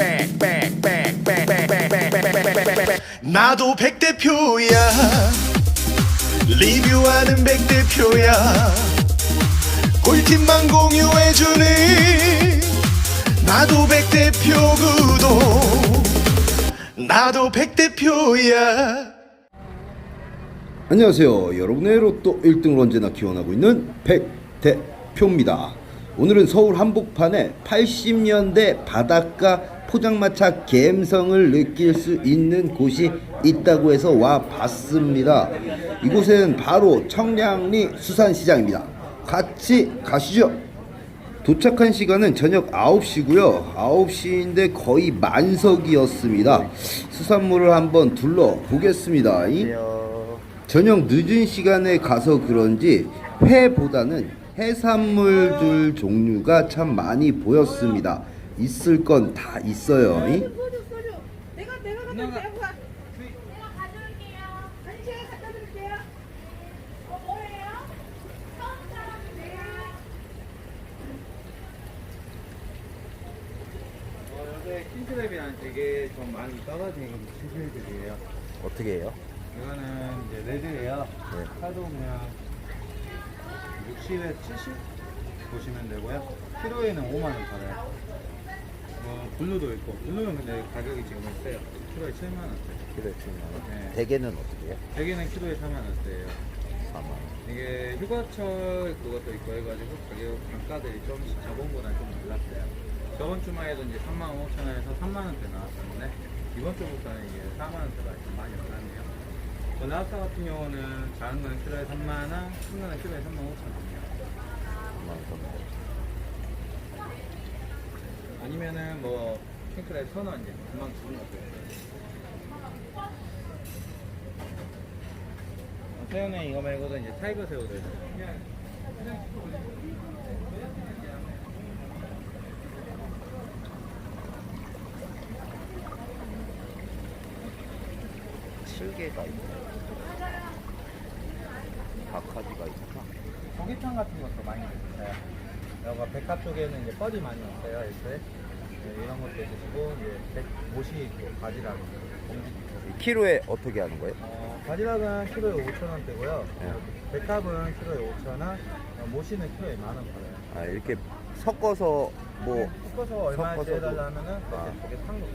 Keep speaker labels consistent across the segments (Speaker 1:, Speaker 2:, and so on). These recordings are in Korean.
Speaker 1: 나도 백대표야 리뷰하는 백대표야 꿀팁만 공유해주는 나도 백대표 구독 나도 백대표야.
Speaker 2: 안녕하세요. 여러분의 로또 1등을 언제나 기원하고 있는 백대표입니다. 오늘은 서울 한복판에 80년대 바닷가 포장마차 감성을 느낄 수 있는 곳이 있다고 해서 와봤습니다. 이곳은 바로 청량리 수산시장입니다. 같이 가시죠. 도착한 시간은 저녁 9시고요 9시인데 거의 만석이었습니다. 수산물을 한번 둘러보겠습니다. 저녁 늦은 시간에 가서 그런지 회보다는 해산물들 종류가 참 많이 보였습니다. 있을 건 다 있어요.
Speaker 3: 내가 가져올게요. 아니 제가 갖다 드릴게요. 뭐예요? 처음 사람인데.
Speaker 4: 요새 킹크랩이랑 되게 좀 많이 떨어진 시술들이에요.
Speaker 2: 어떻게 해요?
Speaker 4: 이거는 이제 레드예요.
Speaker 2: 네.
Speaker 4: 파도 그냥 60에 70 보시면 되고요. 키로에는 5만 원 팔아요. 블루도 있고 블루는 근데 가격이 지금 세요. 키로에 7만 원대.
Speaker 2: 키로에 7만원.
Speaker 4: 네.
Speaker 2: 대게는 어떻게 해요?
Speaker 4: 대게는 키로에 4만 원대예요.
Speaker 2: 4만원.
Speaker 4: 이게 휴가철 그것도 있고 해가지고 가격 단가들이 좀 저번보다 좀 올랐어요. 저번 주말에도 이제 3만 5천 원에서 3만 원대 나왔었는데 이번 주부터는 이게 4만 원대가 좀 많이 올랐네요. 나스타 같은 경우는 작은 거는 키로에 3만 원, 큰 거는 키로에 3만 5천 원이에요. 아니면은 뭐 킹크랩 1,000원 이제 금방 주는 것도 있어요. 새우는 이거 말고도 이제 타이거 새우도 있어요.
Speaker 2: 칠개가 있네. 박하지가 있구나.
Speaker 4: 고기탕 같은 것도 많이 드세요. 여기 백합 쪽에는 이제 뻘이 많이 있어요. 이렇게 네, 이런 것도 드시고 이제 모시 있고 바지락
Speaker 2: 키로에 어떻게 하는 거예요?
Speaker 4: 바지락은 키로에 5,000원대고요.
Speaker 2: 네.
Speaker 4: 백합은 키로에 5,000원, 모시는 키로에 10,000원 팔아요.
Speaker 2: 아, 이렇게 섞어서 뭐
Speaker 4: 섞어서 얼마에
Speaker 2: 섞어서도-
Speaker 4: 해달라 하면은
Speaker 2: 아.
Speaker 4: 그게 상금이에요.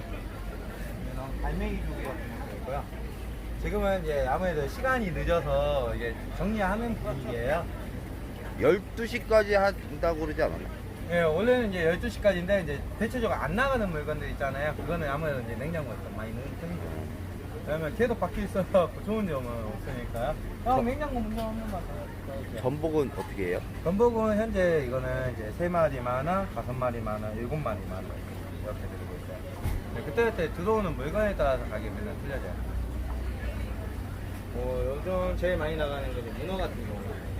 Speaker 4: 갈매기 조개 같은 것도 있고요. 지금은 이제 아무래도 시간이 늦어서 이게 정리하는 분위기예요.
Speaker 2: 12시까지 한다고 그러지 않았나?
Speaker 4: 예, 원래는 이제 12시까지인데 이제 대체적으로 안 나가는 물건들 있잖아요. 그거는 아무래도 이제 냉장고에 좀 많이 넣는 편이죠. 왜냐면 계속 밖에 있어서 좋은 점은 없으니까요. 냉장고 문제 없는 것 같아요.
Speaker 2: 전복은 어떻게 해요?
Speaker 4: 전복은 현재 이거는 이제 3마리 만원, 5마리 만원, 7마리 만원 이렇게 드리고 있어요. 그때그때 들어오는 물건에 따라서 가격이 맨날 틀려져요. 요즘 제일 많이 나가는 게 문어 같은 경우.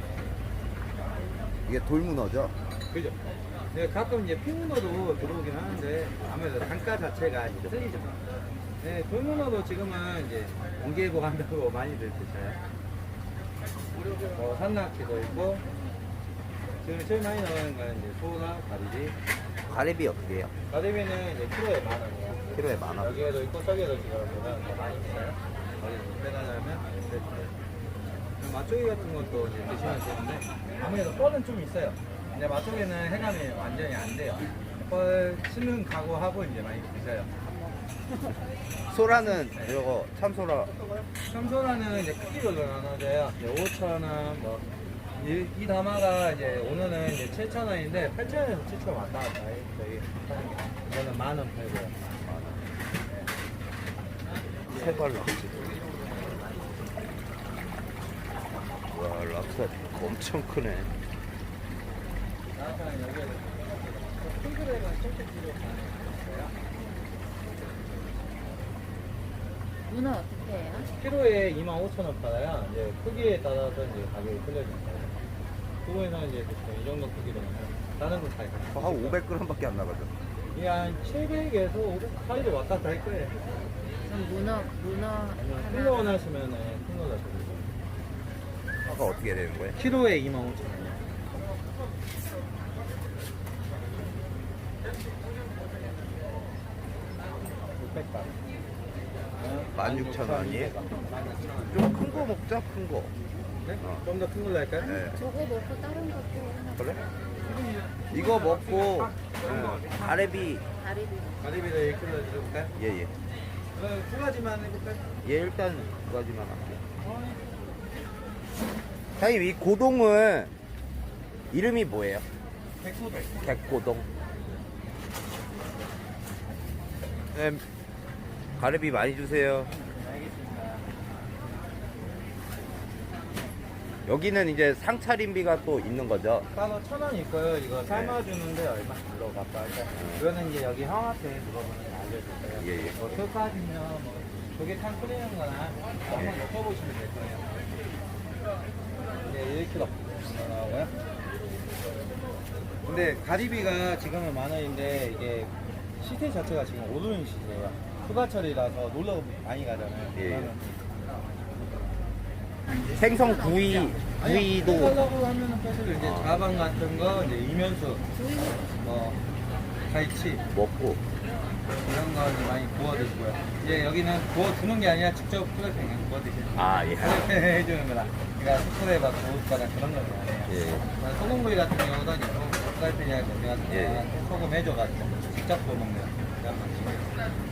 Speaker 2: 이게 돌문어죠?
Speaker 4: 그죠? 네, 가끔 이제 핑문어도 들어오긴 하는데 아무래도 단가 자체가 이제 틀리죠. 네, 돌문어도 지금은 이제 ong개고 한다고 많이들 드셔요. 산낙지도 있고 지금 제일 많이 나가는 거는 이제 소나 가리비.
Speaker 2: 가리비 어떻게 해요?
Speaker 4: 가리비는 이제 키로에 10,000원이에요.
Speaker 2: 키로에 10,000원.
Speaker 4: 여기에도 있고 저기에도 지금 보면 더 많이 있어요. 어디 빼달라면 세트. 맛조개 같은 것도 이제 드시면 되는데 아무래도 뻘은 좀 있어요. 근데 맛조개는 해감이 완전히 안 돼요. 뻘 치는 각오하고 이제 많이 드셔요.
Speaker 2: 소라는 이거 참소라
Speaker 4: 참소라는 이제 크기별로 나눠져요. 5,000원, 뭐, 이 담화가 이제 오늘은 이제 7,000원인데 8,000원에서 7,000원 왔다 갔다 해요. 저희 하는 게. 이거는 10,000원 팔고요.
Speaker 2: 세발 락스. 와, 락스 엄청 크네.
Speaker 4: 나한테는 여기에 핑크랩은 실제 필요 없어요.
Speaker 3: 문어 어떻게 해요?
Speaker 4: 키로에 25,000원 팔아요. 이제 크기에 따라서 이제 가격이 틀려집니다. 그거에서 이제 이 정도 크기로는 다른 건 차이가.
Speaker 2: 한 500g밖에 안 나가죠.
Speaker 4: 이게 한 700에서 500 사이로 왔다 갔다 할 거예요.
Speaker 3: 그럼 문어
Speaker 4: 아니면 큰 거 원하시면 큰 거다 드리고.
Speaker 2: 아까 어떻게 되는 거예요?
Speaker 4: 키로에 25,000원. 600g.
Speaker 2: 16,000원이에요?
Speaker 4: 16,000원.
Speaker 2: 좀 큰 거 먹자, 큰 거.
Speaker 4: 네?
Speaker 2: 어.
Speaker 4: 좀 더 큰 걸로 할까요?
Speaker 2: 네.
Speaker 3: 저거 먹고 다른 것도 하나.
Speaker 2: 그래? 이거 먹고 가래비.
Speaker 3: 다리비.
Speaker 4: 가리비도 1kg 드려볼까요?
Speaker 2: 예예.
Speaker 4: 두 가지만 해볼까요?
Speaker 2: 예, 일단 두 가지만 할게요. 사장님, 이 고동은 이름이 뭐예요?
Speaker 4: 백소도.
Speaker 2: 객고동. 네, 가래비 많이 주세요.
Speaker 4: 알겠습니다.
Speaker 2: 여기는 이제 상차림비가 또 있는 거죠?
Speaker 4: 따로 1,000원 있고요. 이거 삶아주는데 얼마 들어갔다 할까? 이거는 이제 여기 형한테 물어보면 알려줄 거예요.
Speaker 2: 예, 예.
Speaker 4: 뭐 술까지면 뭐 조개탕 끓이는 거나 한번 먹어보시면 될 거예요. 네, 1kg 나오고요. 근데 가리비가 지금은 10,000원인데 이게 시세 자체가 지금 오르는 시세예요. 휴가철이라서 놀러 많이 가잖아요.
Speaker 2: 예, 예.
Speaker 4: 그러면
Speaker 2: 생선 구이도
Speaker 4: 하려고 하면은 사실 이제 자방 같은 거, 이제 이면수, 뭐 갈치
Speaker 2: 먹고.
Speaker 4: 이런 거 이제 많이 구워 드시고요. 이제 여기는 구워 주는 게 아니라 직접 프라이팬에 구워 드시는
Speaker 2: 아, 예.
Speaker 4: 프라이팬 해주는 거다. 그러니까 스프레이 받고 구우거나 그런 건 아니에요.
Speaker 2: 예.
Speaker 4: 소금구이 같은 경우는 이제 프라이팬이나 우리가
Speaker 2: 예.
Speaker 4: 소금 해줘가지고 직접 구워 먹는 그런 방식이에요.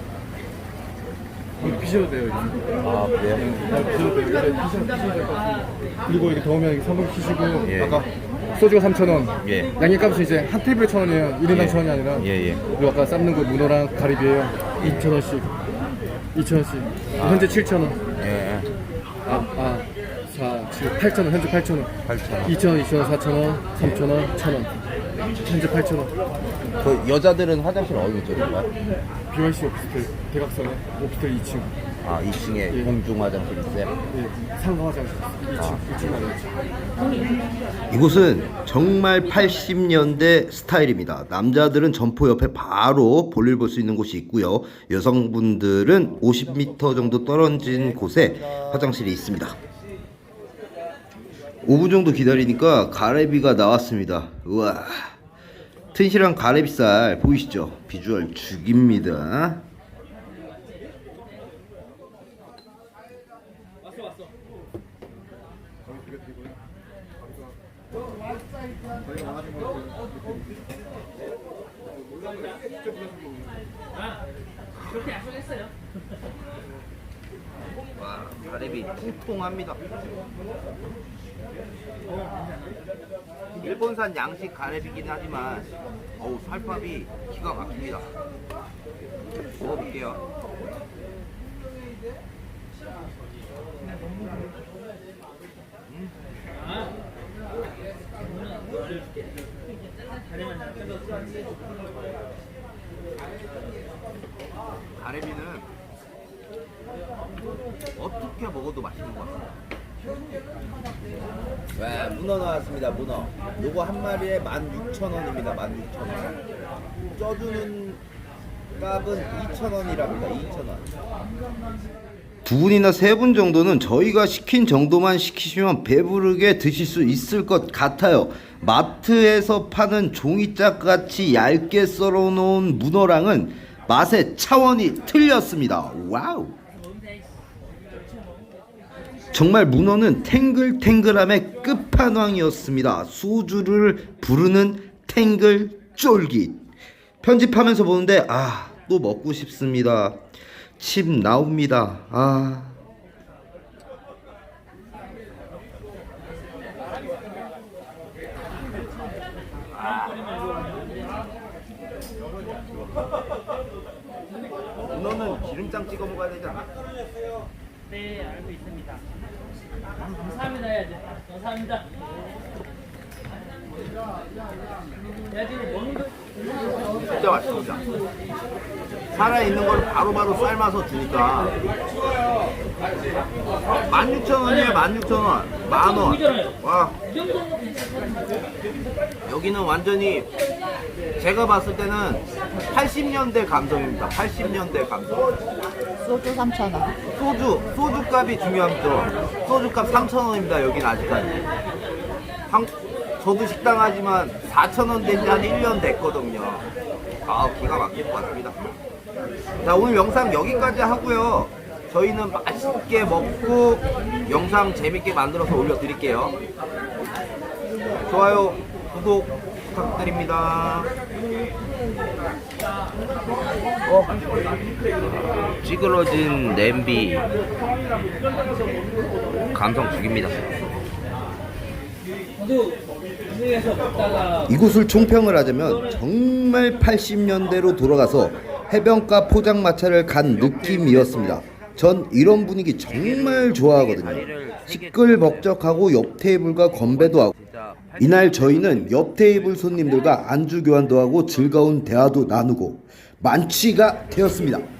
Speaker 5: 피셔도 돼요, 이거.
Speaker 2: 아, 그래요?
Speaker 5: 피셔도 돼요. 이제 피셔도 될것 같습니다. 그리고 이렇게 더우면 이렇게 3분 피시고,
Speaker 2: 예.
Speaker 5: 아까 소주가 3,000원.
Speaker 2: 예.
Speaker 5: 양념값은 이제 한 테이블에 1,000원이에요. 1인당
Speaker 2: 예.
Speaker 5: 1,000원이 아니라.
Speaker 2: 예, 예.
Speaker 5: 그리고 아까 삶는 거 문어랑 가리비예요. 2,000원씩. 2,000원씩. 현재 7,000원.
Speaker 2: 예.
Speaker 5: 4, 7, 8,000원. 현재 8,000원.
Speaker 2: 8,000원.
Speaker 5: 2,000원, 2,000원, 4,000원, 3,000원, 1,000원. 현재 8,000원.
Speaker 2: 그 여자들은 화장실 어디 쪽인가요?
Speaker 5: BYC 오피스텔, 대각선에 오피스텔 2층.
Speaker 2: 아, 2층에
Speaker 5: 예.
Speaker 2: 공중 화장실 있어요?
Speaker 5: 예, 상가 화장실. 2층 화장실.
Speaker 6: 이곳은 정말 80년대 스타일입니다. 남자들은 점포 옆에 바로 볼일 볼 수 있는 곳이 있고요. 여성분들은 50m 정도 떨어진 곳에 화장실이 있습니다. 5분 정도 기다리니까 가래비가 나왔습니다. 우와, 튼실한 가래비살 보이시죠? 비주얼 죽입니다.
Speaker 2: 와, 가래비 통통합니다. 일본산 양식 가래비긴 하지만 어우, 살밥이 기가 막힙니다. 먹어볼게요. 가래비는 어떻게 먹어도 맛있는 것 같아요. 와, 문어 나왔습니다. 문어. 요거 한 마리에 16,000원입니다. 16,000원. 쪄주는 값은 2,000원이랍니다. 2,000원.
Speaker 6: 두 분이나 세 분 정도는 저희가 시킨 정도만 시키시면 배부르게 드실 수 있을 것 같아요. 마트에서 파는 종이짝같이 얇게 썰어놓은 문어랑은 맛의 차원이 틀렸습니다. 와우. 정말 문어는 탱글탱글함의 끝판왕이었습니다. 소주를 부르는 탱글 쫄깃. 편집하면서 보는데 또 먹고 싶습니다. 침 나옵니다.
Speaker 2: 문어는 기름장 찍어 먹어야 되지 않나?
Speaker 7: 네, 알고 있습니다. 감사합니다 해야지. 감사합니다. 야, 지금 먹는 거
Speaker 2: 진짜 맛있습니다. 살아있는 걸 바로바로 삶아서 주니까 16,000원이에요. 16,000원. 만원. 와,
Speaker 7: 이 정도는 괜찮거든요.
Speaker 2: 여기는 완전히 제가 봤을 때는 80년대 감성입니다. 80년대 감성.
Speaker 3: 소주 3,000원.
Speaker 2: 소주값이 중요합니다. 소주값 3,000원입니다. 여긴 아직까지. 저도 식당 하지만 4,000원 된 지 한 1년 됐거든요. 기가 막힐 것 같습니다. 자, 오늘 영상 여기까지 하고요. 저희는 맛있게 먹고 영상 재밌게 만들어서 올려드릴게요. 좋아요, 구독 부탁드립니다. 찌그러진 냄비 감성 죽입니다.
Speaker 7: 저도 중국에서 먹다가
Speaker 6: 이곳을 총평을 하자면 정말 80년대로 돌아가서 해변가 포장마차를 간 느낌이었습니다. 전 이런 분위기 정말 좋아하거든요. 시끌벅적하고 옆 테이블과 건배도 하고, 이날 저희는 옆 테이블 손님들과 안주 교환도 하고 즐거운 대화도 나누고 만취가 되었습니다.